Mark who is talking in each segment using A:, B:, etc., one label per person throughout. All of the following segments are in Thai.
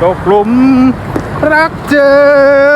A: ตกหลุมรักเจอ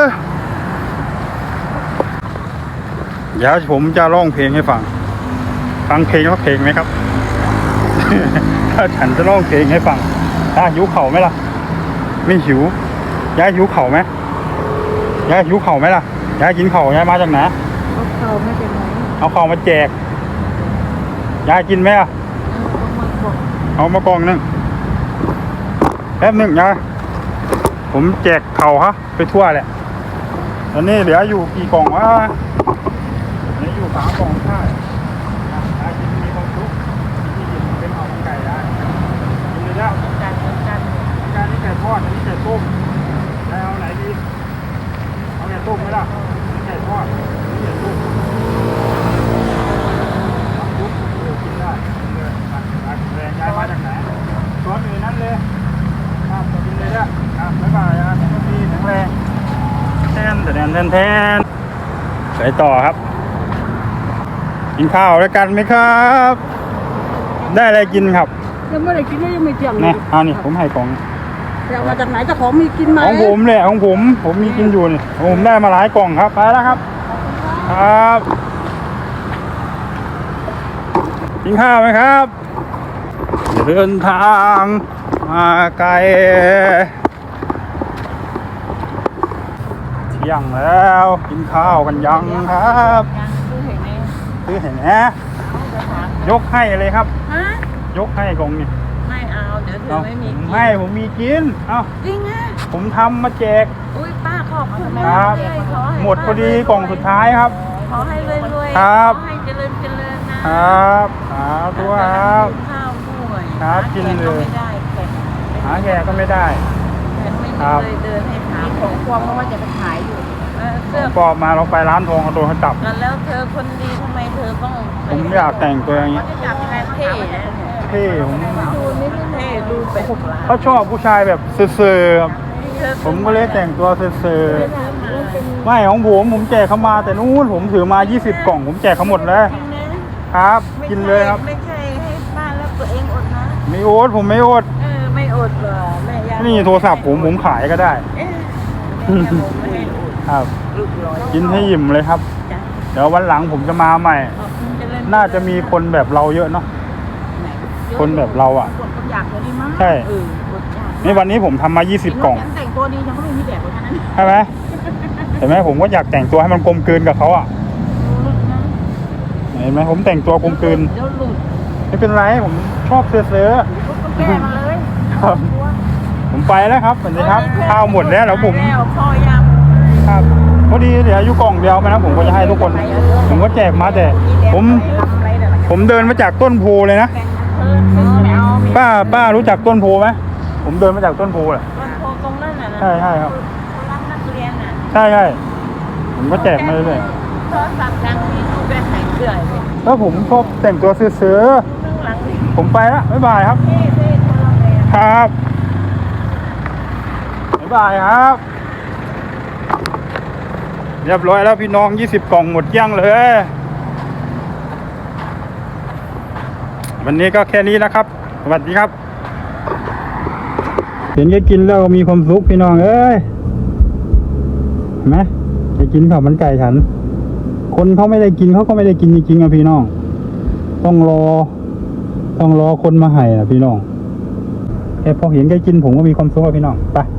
A: เดี๋ยวผมจะร้องเพลงให้ฟังเพลงว่าเพลงไหมครับ ถ้าฉันจะร้องเพลงให้ฟังหิวเข่าไหมล่ะไม่หิวยายหิวเข่าไหมยายหิวเข่าไหมล่ะยายกินเข่ายายมาจากไหน
B: เอาเข่ามาจากไหน
A: เอาเข่ามาแจกยายกินไหมอ่ะเอามากล่องนึงแป๊บหนึ่งยายผมแจกเข่าฮะไปทั่วแหละตอนนี้เหลืออยู่กี่กล่องวะเหลืออยู่3 กล่องใช่ยายกินมีความสุขที่กินเป็นเอาไก่ได้กินเลยนะการนี้ไก่ทอดอันนี้ไก่ต้มยายเอาไหนดีเอาไก่ต้มไหมล่ะนี่ไก่ทอดนี่ไก่ต้มกินได้เลยแรงยายมาจากไหนซ้อนอยู่นั่นเลยกินเลยนะบ๊ายบายนะทุกทีแข็งแรงแทนไปต่อครับกินข้าวด้วยกันไหมครับได้อะไรกินครับ
B: ยังไม่ได้กินเลยยังไม่เจียง
A: นี่นี่ผมให้กล่อง
B: เอามาจากไหนเจ้าของมีกินไหม
A: ของผมเลยของผมมีกินอยู่นี่ผมได้มาหลายกล่องครับไปแล้วครับครับกินข้าวไหมครับเดินทางมาไกลเที่ยงแล้วกินข้าวกันยังครับซื้อเห็นไหมยกให้เลยครับยกให้กล่องนี่
B: ไม่เอาเดี๋ยวเธอไม่มีกิ
A: นผมมีกิน
B: จริงอ่ะ
A: ผมทำมาแจก
B: อุ้ยป้าขอบคุณ
A: ครับหมดพอดีกล่องสุดท้ายครับ
B: ขอให้รวย
A: ๆครับ
B: ขอให้เจริญนะครับ
A: ตัวครับ
B: ข้าวด้วย
A: ครับกินเลยหาแกก็ไม่ได้
B: ครับเดินให้ถามของควงเพราะว่าจะไปขายอยู่
A: เสื้อปอบมาเราไปร้านทองเอาตัวเขาจับ
B: แล้วเธอคนดีทำไมเธอต้อง
A: ผมอยากแต่งตัวอย่างนี้
B: เท่
A: ผม
B: ดูแบบ
A: เขาชอบผู้ชายแบบเซ่อๆผมก็เลยแต่งตัวเซ่อๆไม่ของผมแจกเขามาแต่นู้นผมถือมา20 กล่องผมแจกเขาหมดเลยครับกินเลยครับ
B: ไม่ใช่ให้ป้าแล้วตัวเองอดนะ
A: ไม่อดผมไม่อด
B: ไม่อดหรอแม่ยา
A: นี่โทรศัพท์ผมขายก็ได้ครับกินให้อิ่มเลยครับเดี๋ยววันหลังผมจะมาใหม่น่าจะมีคนแบบเราเยอะเนาะคนแบบเราอ่ะใช่นี่วันนี้ผมทำมา20 กล่อง
B: แต่งตัวดียังไม่มีแบบเลยนะ
A: ใช่ไหมเห็นไหมผมก็อยากแต่งตัวให้มันกลมกลืนกับเขาอ่ะเห็นไหมผมแต่งตัวกลมกลืนไม่เป็นไรผมชอบเสื้อ
B: แก้มาเลย
A: ครับผมไปแล้วครับสวัสดีครับข้าวหมดแล้วแล้วผมครับพอดีเดี๋ยวอยู่กล่องเดียวไปนะผมก็จะให้ทุกคนผมก็แจกมาแต่ผมเดินมาจากต้นโพเลยนะป้ารู้จักต้นโพไหมผมเดินมาจากต้นโพแหละ
B: ตรงนั้นน่ะ
A: ใช่ครับใช่ผมก็แจกมาเลยแล้วผมชอบแต่งตัวเสื้อผมไปแล้วบ๊ายบายครับครับบ๊ายบายครับเรียบร้อยแล้วพี่น้อง20 กล่องหมดยังเลยวันนี้ก็แค่นี้นะครับสวัสดีครับเห็นแกกินแล้วมีความสุขพี่น้องเอ้ยเห็นไหมแกกินข้าวมันไก่ฉันคนเขาไม่ได้กินเขาก็ไม่ได้กินจริงๆอ่ะพี่น้องต้องรอคนมาให้อ่ะพี่น้องแค่พอเห็นแกกินผมก็มีความสุขอ่ะพี่น้องไป